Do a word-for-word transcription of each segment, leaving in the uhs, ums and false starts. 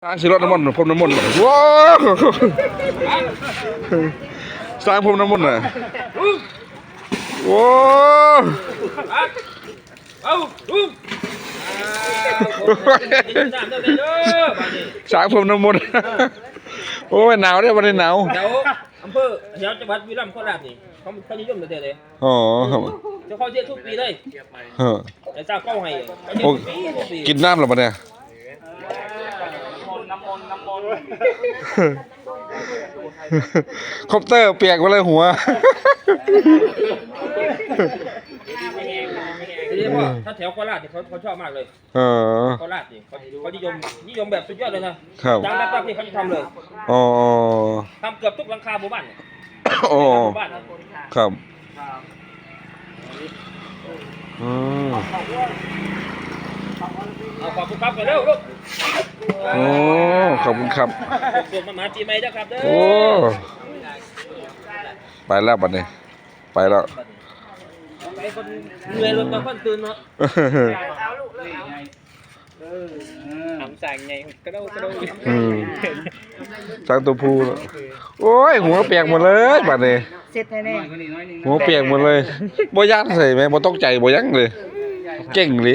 สร้างสิรถน้ำมันพรมน้ำมันว้าวสร้างพรมน้ำมันน่ะว้าวสร้างพรมน้ำมันโอ้ยหนาวเนี่ยวันนี้หนาวเดี๋ยวอำเภอเดี๋ยวจังหวัดบุรีรัมย์โคราชนี่เขาเขานิยมเลยเลยอ๋อจะเข้าเที่ยวทุกปีเลยไอ้เจ้าเข้าให้โอ้กินน้ำหรอปะเนี่ยคอปเตอร์เปียกมาเลยหัวทีนี้ว่าถ้าแถวโคราชเนี่ยเขาเขาชอบมากเลยโคราชนี่เขาเขานิยมนิยมแบบสุดยอดเลยนะจังแป๊บๆนี่เขาจะทำเลยอ๋อทำเกือบทุกหลังคาหมู่บ้านโอ้ครับอืมเอาขอบคุณครับกันเร็วลูกโอ้ขอบคุณครับส่วนมาหมาจีไม่ได้ครับเด้อโอ้ไปแล้วบัดนี้ไปแล้วไปคนเหนื่อยรถมาคนตื่นเนาะทำสั่งไงกระโดดกระโดดสั่งตัวผู้โอ้ยหัวเปียกหมดเลยบัดนี้เสร็จแน่ๆหัวเปียกหมดเลยบ่ยั้งใส่ไหมบ่ตกใจบ่ยั้งเลยเก่งเลย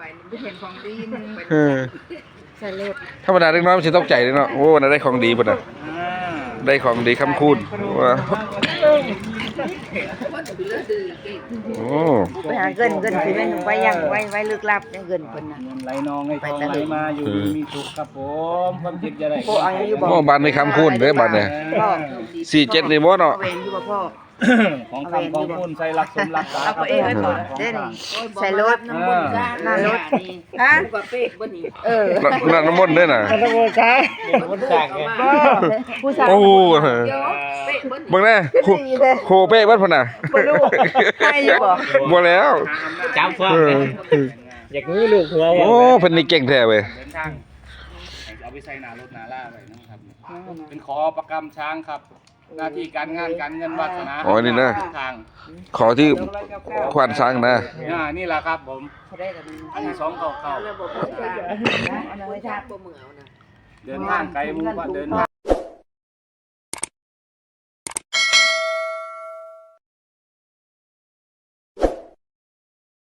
ธรรมดาเล็กน้อยมันจะตกใจเลยเนาะโอ้น่าได้ของดีป่ะนะได้ของดีคำคูณว่าโอ้ไปหาเงินเงินสิแม่นไว้ยังไว้ไว้ลึกลับเงินเพิ่นน่ะไหลนองให้ทองไหลมาอยู่มีสุขครับผมความคิดจะได้พ่อเอาอยู่บ่โอ้บ้านในคำคูณเด้อบ้านเนี่ยสี่เจ็ดนี่บ่เนาะเวนอยู่บ่พ่อของคำของคุณใส่รักสมรักษาเอาตัวเองไว้ก่อนเด้นี่ใส่รถน้ำมันหน้ารถฮะเออนั่นน้ำมันด้วยน่ะน้ำมันใช่น้ำมันสั่งไงผู้ชายโอ้เบิ่งแน่โคเป้บ้านพุ่นน่ะบ่รู้ให้อยู่บ่บ่แล้วจับฟังอยากรู้ลูกหัวโอ้เพิ่นนี่เก่งแท้เว้ยเดินทางเอาไปใส่หน้ารถหน้าล่าไว้นะครับเป็นขอประกำช้างครับหน้าที่การงานการเงินวาสนาอ๋อนี่นะทางขอที่ควานช้างนะนี่แหละครับผมอันนี้สองเก่าเก่าเดินทางไกลมุ่งว่าเดินทาง